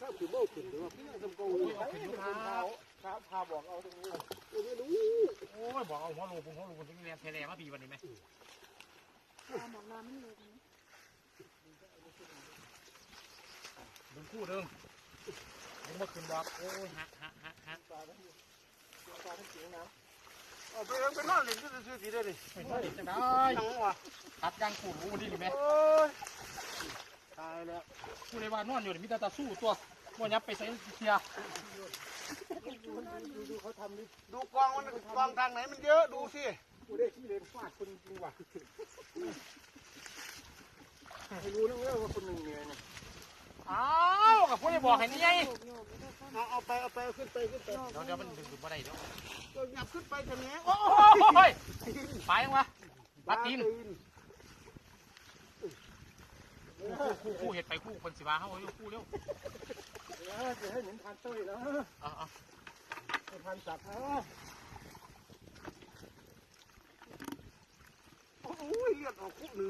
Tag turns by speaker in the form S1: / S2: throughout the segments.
S1: ถ้าคือโบ้ขึ้นหรือว่าพี่ทำกองเลยครับพาบอกเอาตรงนี้ไม่รู้
S2: โอ้ยบอกเอาหัวลูกที่เรียนเทเลมาปีวันนี้ไหม
S3: บอกน้ำไม่เลย
S2: ดึงคู่ดึงมาขึ้นบอกโอ้ยฮะ
S1: ปลาทั้งเสียงน้ำเอาไปนอนเล่นก็ซื้อสีได้ดิ
S2: ไม่ได้จะได้ตัดยางขูดรู้วันนี้ดีไหม
S1: ตายแล้ว
S2: ผู้ในว่านอนอยู่มีแต่ตาสู้ตัวมันยับไปใส่เทีย
S1: ดูเขาทำดิดูกองมันกองทางไหนมันเยอะดูสิกูได้ที่เลนฟาดคนจริงว่ะไม่รู้นะว่าคนหนึ่งเหนื่อยเนี่ย
S2: อ้าวกับผู้ในบอกให้นี่ไง
S1: เอาไปขึ้นไปเ
S2: ดี๋ยวมันดึงมาได้เดี๋ยว
S1: หยับขึ้นไปจะแง่
S2: โอ้ยไปยังวะบัดตีนคู่เห็ดไปคู่คนสิบ้าเขาอยู่คู่เร็ว
S1: จะให้เหมือนพันเต้ยนะพันสัตว์นะโอ้ยเลือดออกคู่หนึ่ง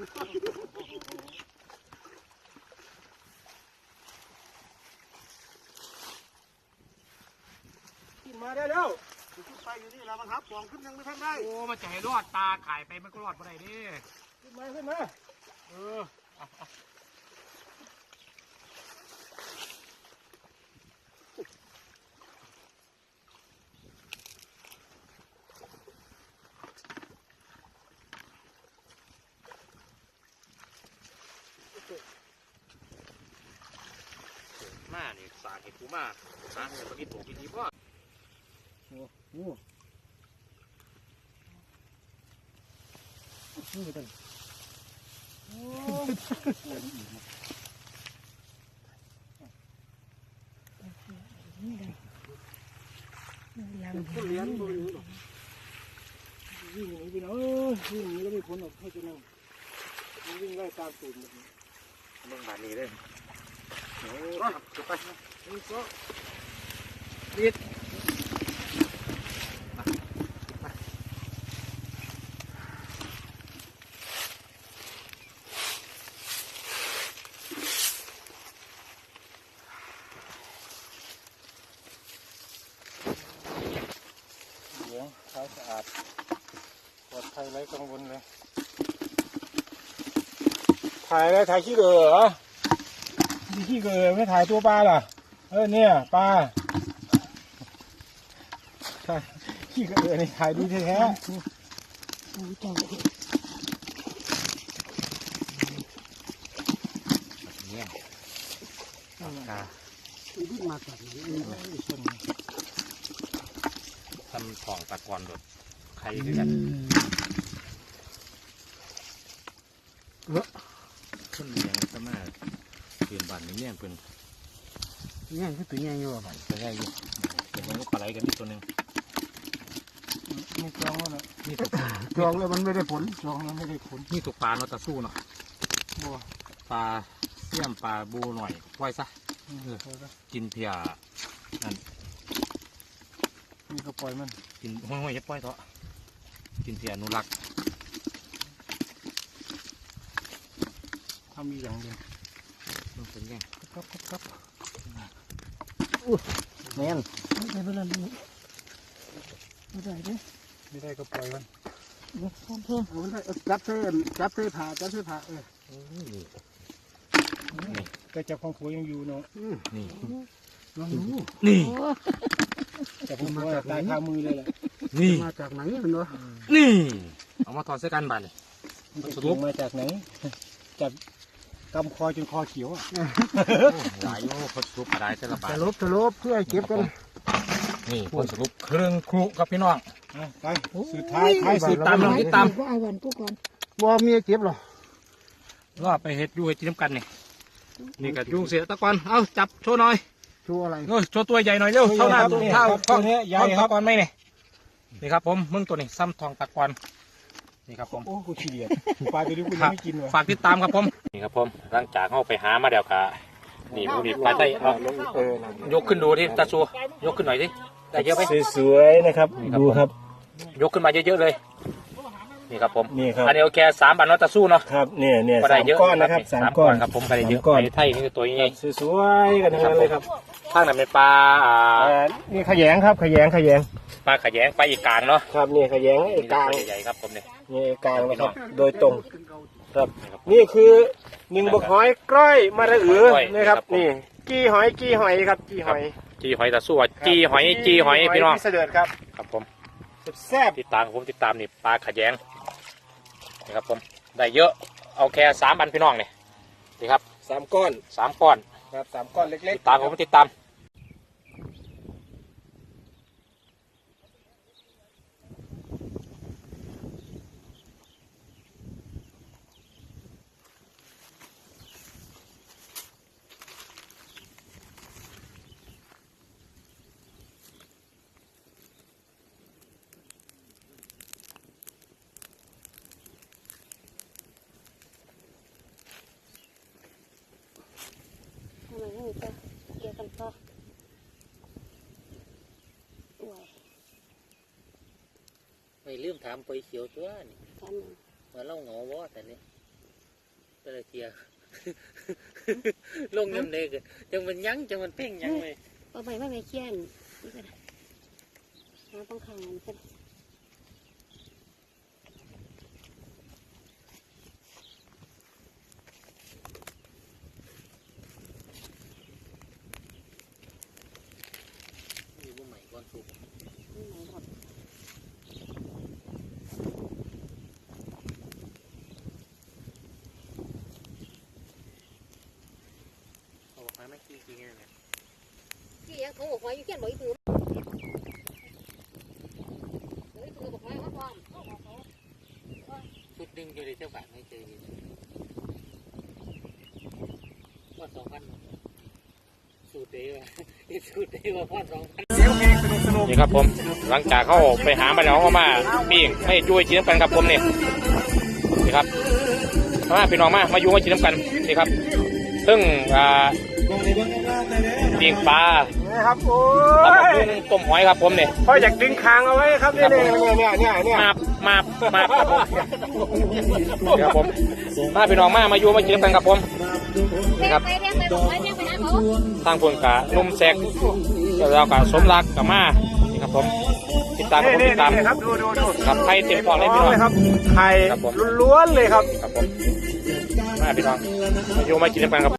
S1: ขึ้นมาได้แล้วขึ้นไปอยู่นี่แล้วมันทับปองขึ้นยังไม่ทันได้
S2: โอ้มันจะให้รอดตาขายไปมันก็รอดมาได้ดิ
S1: ขึ้นมา
S2: มาเนี่ยสาเห็ดกูมาสาเห็ดปลากินตัวกินดีป่ะ
S1: โอ้ไม่ได้คนเลี้ยงตัวนี้หรอวิ่งหนีไปเนาะวิ่งหนีแล้วไม่พ้นหรอกให้จะนั่งวิ่งไล่ตามตูดแบบนี้
S2: เรื่องแบบนี้เลย
S1: โอ้ยไปนี่ก็
S2: รีด
S1: เท้าสะอาดปลอดภัยไร้กังวลเลยถ่ายอะไรถ่ายขี้เกลือเหรอขี้เกลือไม่ถ่ายตัวปลาล่ะเนี่ยปลาถ่ายขี้เกลือนี่ถ่ายดีแท้
S2: เนี่ย
S1: วิ่งมาจากนี้
S2: ทำของตะกอนแบบใครด้วยกันขึ้นเลี้ยงสมาเปลี่ยนบัตรนี่เพิ่น
S1: เนี่ยคือตัวใหญ่อยู่อ่ะ
S2: ตัวใหญ่อยู่เดี๋ยวมันก็ปลาไหลกันอีกตัวหนึ่ง
S1: ไม่จองแล้วนี่จองแล้วมันไม่ได้ผลจองแล้วไม่ได้ผล
S2: นี่ตัวปลาเนาะตะสู้เนาะปลาเสี่ยมปลาบูหน่อยไว้ซะกินเพียนั่น
S1: นี่ก็ปล่อยมัน
S2: กินห้อยๆจะปล่อยเถอะกินเพียอนุรักษ์
S1: ทำมีอย่างเดียว
S2: มันเป็นไง
S1: ครับแน่นไม่ได้ไม่ได้ก็ปล่อยมันมันได้จับเส้ผ่าแต่จับของผัวยังอยู่เนาะ
S2: นี่
S1: จับของผัวตายคามือเลยแหละ
S2: นี่
S1: มาจากไหนเนาะ
S2: นี่เอามาถอดเสื้อกันบัดเลย
S1: สรุปมาจากไหนจับกำคอจนคอเขียว
S2: หลายโอ้คนสรุปอะไรเส้นละบาท
S1: สรุปเพื่อเก็บกัน
S2: นี่คนสรุปเครื่องครุครับพี่น้อง
S1: ไปสุดท้าย
S2: สุดตาม
S3: ก็เอาวันกูก่อน
S1: บ่มีเก็บหรอ
S2: ก็ไปเห็ดอยู่เห็ดจิ้มกันนี่กับยุงเสียตะกอนเอาจับโชว์หน่อย
S1: โชว์อะไร
S2: โชว์ตัวใหญ่หน่อยเร็วเท่าหน้าตัว
S1: นี้ใหญ่
S2: ครับตะกอนไหมนี่ครับผมมึงตัวนี้ซ้ำทองตะกอนนี่ครับผม
S1: โอ้กูขี้เดียดปลาตัวนี้กูยังไม่กิน
S2: ฝากติดตามครับผมนี่ครับผมหลังจากเข้าไปหามาเดี๋ยวกะนี่พวกนี้ปลาไต้ยกขึ้นดูที่ตาชัวยกขึ้นหน่อยดิได้เยอะไหม
S1: สวยๆนะครับดูครับ
S2: ยกขึ้นมาเยอะๆเลยนี่ครับผม
S1: นี่ครับ
S2: อันนี้โอเค3 บาทเนาะตะสู้เนาะ
S1: ครับเนี่ย
S2: ก็ได้
S1: สาม
S2: เยอะ
S1: ก้อนนะครับสามก้อน
S2: ครับผมก็ได้เยอะ
S1: สามก้อน
S2: ไอ้ไทยนี่คือตัวใหญ่
S1: สวยๆกันทั้งนั้นเลยครับ
S2: ข้างนั้นเป็นปลา
S1: นี่ขยงครับขยง
S2: ปลาขยงปลาอีกกลางเนาะ
S1: ครับนี่ขยงไอ้กลาง
S2: ใหญ่ๆครับผมเนี่ย
S1: นี่ไอ้กลางนะครับโดยตรงครับนี่คือหนึ่งบกหอยกล้อยมาระอือนะครับนี่จี้หอยครับจี้หอย
S2: จีหอยตะสู้จีหอยพี่น้อง
S1: พี่เสด็จครับ
S2: ครับผม
S1: แซ่บ
S2: ติดตามผมติดตามนี่ปลาขยงนี่ครับผมได้เยอะเอาแค่3 บาทพี่น้องเนี่ยนี่ครับ
S1: 3 ก้อน
S2: 3 ก้อน
S1: ครับ3 ก้อนเล็ก
S2: ติดตามผมติดตาม
S3: ทำไมไม่ต่อเกี่ยวกันต่ออวย
S4: ไม่ลืมถามไปเขียวตัวนี่
S3: กันหนึ่ง
S4: ว่าเล่าเหงาวะแต่เนี่ยแต่ละเทีย ลงยำเด็กจังมันยั้งจังมันเพ่งยั้งเลย
S3: เอาไปไม่เคี่ยนนี่ก็ได้น้ำต้องขังมันก็ได้
S4: มีบ่ใหม่ก่อนสุก
S3: นี่ไหนหมด
S4: เอาออกมาไม่กี่จริงๆเนี่ย
S3: ที่ยังโทรบอกว่าอยู่เคี่ยนบอกอีตือเฮ้ยตือบอกว่าเขาความ
S4: ชุดหนึ่งอยู่ในเจ้าบ้านไม่เจออยู่ว่า2,000สูตรเดียวสูตรเดียวว่าพ่อ2,000
S2: นี่ครับผมหลังจากเขาไปหามาแล้วเขามาปิ้งให้ช่วยกินน้ำกันครับผมนี่นี่ครับมาพี่น้องมาอยู่มากินน้ำกันนี่ครับซึ่งปิ้งปลา
S1: ๆนะครับโอ้
S2: ตำบัก
S1: ย
S2: หุ่งต้มหอยครับผมนี่
S1: พ่ออยากดึงคางเอาไว้ครับเนี่ย
S2: มาครับผมนี่ครับผมมาพี่น้องมาอยู่มากินน้ำกันครับผมนี่ครับ
S3: ไปเรียกไปบอกไว้เรียกไปหาเขา
S2: ทางคนกะนุ่มแซกแล้วก็สมรักกับมานี่ครับผมติดตามครับผมติดตาม
S1: ครับดู
S2: ครับไข่เต็มปอดเลยพี่น้อง
S1: ครับไข่
S2: ครับผม
S1: ล้วนๆเลยครับ
S2: ครับผมมาพี่น้องมาอยู่มากินน้ำกันครับ